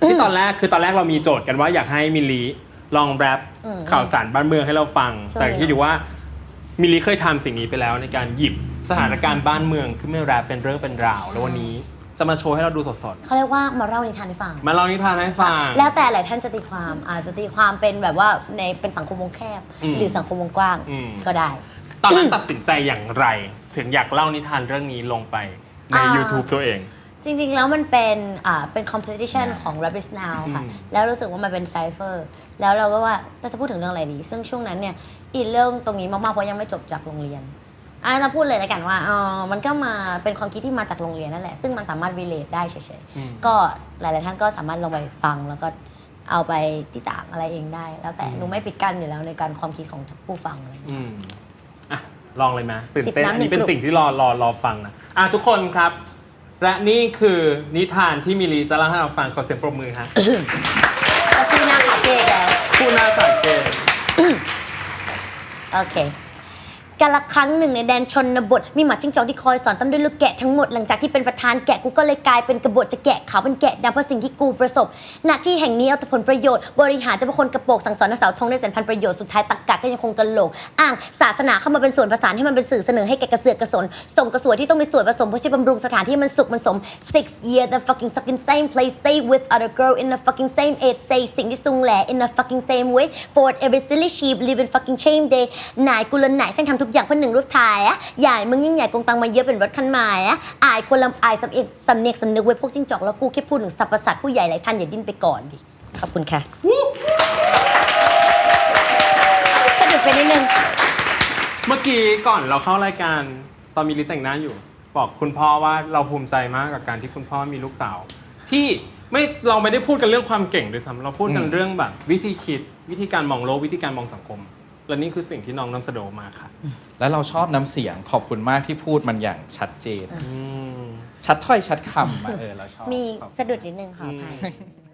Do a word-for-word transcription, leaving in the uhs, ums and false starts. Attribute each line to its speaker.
Speaker 1: ที่ตอนแรกคือตอนแรกเรามีโจทย์กันว่าอยากให้มิลลีลองแรปข่าวสารบ้านเมืองให้เราฟังแต่ที่ดูว่ามิลลีเคยทำสิ่งนี้ไปแล้วในการหยิบสถานการณ์บ้านเมืองขึ้นมาแรปเป็นเรื่องเป็นราวแล้ววันนี้จะมาโชว์ให้เราดูสด
Speaker 2: ๆเขาเรียกว่ามาเล่านิทานให้ฟัง
Speaker 1: มาเล่านิทานให้ฟัง
Speaker 2: แล้วแต่หลายท่านจะตีความอาจจะตีความเป็นแบบว่าในเป็นสังคมวงแคบหรือสังคมวงกว้างก็ได้
Speaker 1: ตอนนั้นตัดสินใจอย่างไรถึงอยากเล่านิทานเรื่องนี้ลงไปใน YouTube ตัวเอง
Speaker 2: จริงๆแล้วมันเป็นอ่าเป็น competition ของ Rabbit Now ค่ะแล้วรู้สึกว่ามันเป็น cipher แล้วเราก็ว่าเราจะพูดถึงเรื่องอะไรดีซึ่งช่วงนั้นเนี่ยอินเรื่องตรงนี้มากๆเพราะยังไม่จบจากโรงเรียนอ่ะเราพูดเลยแล้วกันว่าอ๋อมันก็มาเป็นความคิดที่มาจากโรงเรียนนั่นแหละซึ่งมันสามารถ relate ได้เฉยๆก็หลายๆท่านก็สามารถลงไปฟังแล้วก็เอาไปติต่างอะไรเองได้แล้วแต่หนูไม่ปิดกั้นอยู่แล้วในการความคิดของผู้ฟังอะไรอย่างเงี้ย
Speaker 1: อ่ะลองเลยไหมตื่นเต้นอันนี้เป็นสิ่งที่รอรอรอฟังนะอ่ะทุกคนครับและนี่คือนิทานที่มิลลีจะเล่าให้เราฟังขอเสียงปรบมือฮะ
Speaker 2: ก็คือหน้าขาเกแล้ว
Speaker 1: ผู้หน้าขาเก
Speaker 2: โอเคกาลครั้งหนึ่งในแดนชนบทมีหมาจิ้งจอกที่คอยสอนตามด้วยลูกแกะทั้งหมดหลังจากที่เป็นประธานแกะกูก็เลยกลายเป็นกบฏจะแกะขาวเป็นแกะดำเพราะสิ่งที่กูประสบหน้าที่แห่งนี้เอาแต่ผลประโยชน์บริหารจะเป็นคนกระโปงสั่งสอนนักสาวทงได้แสนพันประโยชน์สุดท้ายตรรกะก็ยังคงกระโหลกอ้างศาสนาเข้ามาเป็นส่วนผสานให้มันเป็นสื่อเสนอให้แกกระเสือกกระสนส่งกระสวยที่ต้องมีส่วนผสมเพื่อใช้บำรุงสถานที่มันสุขมันสม six year the fucking stuck in same place stay with other girl in the fucking same age say สิ่งที่ซุงแหล่ in the fucking same way for every silly sheep live in fucking shame day นายกุลนายเส้นทำทุกอย่างเพื่อหนึ่งรูปถ่ายอะใหญ่มึงยิ่งใหญ่กงตังมาเยอะเป็นรถคันใหม่อะอายคนลำอายสำเอกสำเนียกสำนึกไว้พวกจิ้งจอกแล้วกูแค่พูดถึงสรรพสัตว์ผู้ใหญ่หลายท่านอย่าดิ้นไปก่อนดิขอบคุณค่ะสะดุดไปนิดนึง
Speaker 1: เมื่อกี้ก่อนเราเข้ารายการตอนมิลลีแต่งหน้าอยู่บอกคุณพ่อว่าเราภูมิใจมากกับการที่คุณพ่อมีลูกสาวที่ไม่เราไม่ได้พูดกันเรื่องความเก่งด้วยซ้ำเราพูดกันเรื่องแบบวิธีคิดวิธีการมองโลกวิธีการมองสังคมและนี่คือสิ่งที่น้องนำเสนอมาค่ะ
Speaker 3: แล้วเราชอบน้ำเสียงขอบคุณมากที่พูดมันอย่างชัดเจนชัดถ้อยชัดคำเออเราชอบ
Speaker 2: มีสะดุดนิดนึงค่ะ